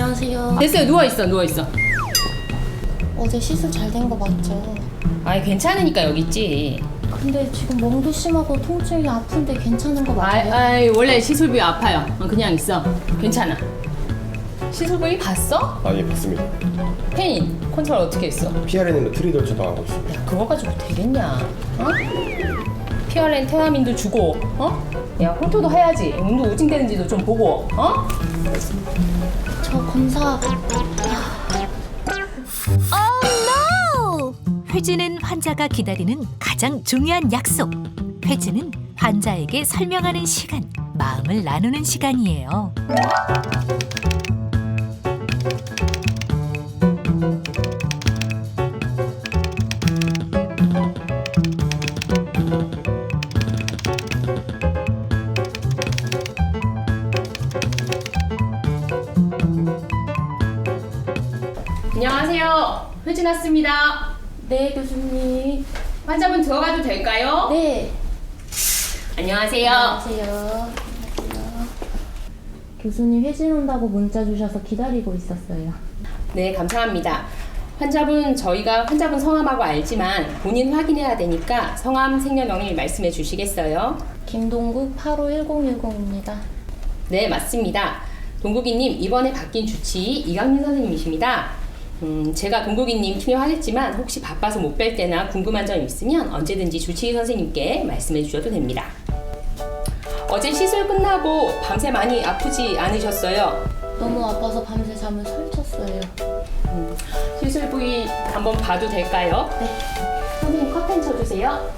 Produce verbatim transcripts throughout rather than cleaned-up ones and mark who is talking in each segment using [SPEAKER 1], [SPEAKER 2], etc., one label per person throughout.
[SPEAKER 1] 안녕하세요.
[SPEAKER 2] 됐어요. 누워있어 누워있어.
[SPEAKER 1] 어제 시술 잘 된 거 맞죠?
[SPEAKER 2] 아이 괜찮으니까 여기 있지.
[SPEAKER 1] 근데 지금 멍도 심하고 통증이 아픈데 괜찮은 거
[SPEAKER 2] 아이,
[SPEAKER 1] 맞아요?
[SPEAKER 2] 아이 원래 시술 부위 아파요. 어, 그냥 있어. 괜찮아. 시술 부위 봤어?
[SPEAKER 3] 아, 예, 봤습니다.
[SPEAKER 2] 페인 컨트롤 어떻게 했어?
[SPEAKER 3] 피아르닌으로 트리돌 처방하고 있습니다.
[SPEAKER 2] 야 그거 가지고 되겠냐? 어? 피어렌 테라민도 주고 어? 야 홀토도 해야지. 운동 우징되는지도 좀 보고 어?
[SPEAKER 1] 저 검사
[SPEAKER 4] Oh no! 회진은 환자가 기다리는 가장 중요한 약속. 회진은 환자에게 설명하는 시간, 마음을 나누는 시간이에요.
[SPEAKER 2] 안녕하세요. 회진 왔습니다.
[SPEAKER 1] 네 교수님.
[SPEAKER 2] 환자분 들어가도 될까요?
[SPEAKER 1] 네.
[SPEAKER 2] 안녕하세요.
[SPEAKER 1] 안녕하세요. 안녕하세요. 교수님 회진 온다고 문자 주셔서 기다리고 있었어요.
[SPEAKER 2] 네, 감사합니다. 환자분, 저희가 환자분 성함하고 알지만 본인 확인해야 되니까 성함, 생년월일 말씀해 주시겠어요?
[SPEAKER 1] 김동국 팔오일공일공입니다.
[SPEAKER 2] 네, 맞습니다. 동국이님, 이번에 바뀐 주치 이강민 선생님이십니다. 음, 제가 동국이님 투여하겠지만 혹시 바빠서 못 뵐 때나 궁금한 점 있으면 언제든지 주치의 선생님께 말씀해 주셔도 됩니다. 어제 시술 끝나고 밤새 많이 아프지 않으셨어요?
[SPEAKER 1] 너무 아파서 밤새 잠을 설쳤어요.
[SPEAKER 2] 음, 시술 부위 한번 봐도 될까요?
[SPEAKER 1] 네.
[SPEAKER 2] 선생님 커튼 쳐주세요.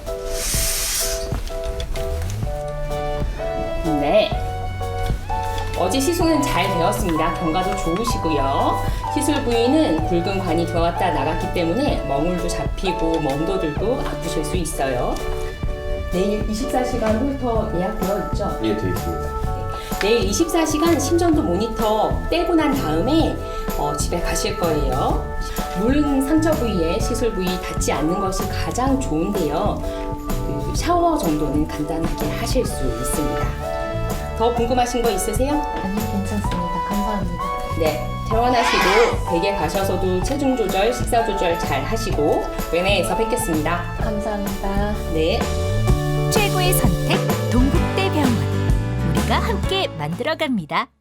[SPEAKER 2] 네. 어제 시술은 잘 되었습니다. 경과도 좋으시고요. 시술 부위는 굵은 관이 들어갔다 나갔기 때문에 멍울도 잡히고 멍도 들고 아프실 수 있어요. 내일 이십사 시간 홀터 예약되어 있죠?
[SPEAKER 3] 예, 되어 있습니다.
[SPEAKER 2] 내일 이십사 시간 심전도 모니터 떼고 난 다음에 어, 집에 가실 거예요. 물은 상처 부위에 시술 부위 닿지 않는 것이 가장 좋은데요. 그 샤워 정도는 간단하게 하실 수 있습니다. 더 궁금하신 거 있으세요?
[SPEAKER 1] 아니 괜찮습니다. 감사합니다.
[SPEAKER 2] 네. 퇴원하시고 댁에 가셔서도 체중 조절, 식사 조절 잘 하시고 외내에서 뵙겠습니다.
[SPEAKER 1] 감사합니다.
[SPEAKER 2] 네.
[SPEAKER 4] 최고의 선택, 동국대병원. 우리가 함께 만들어갑니다.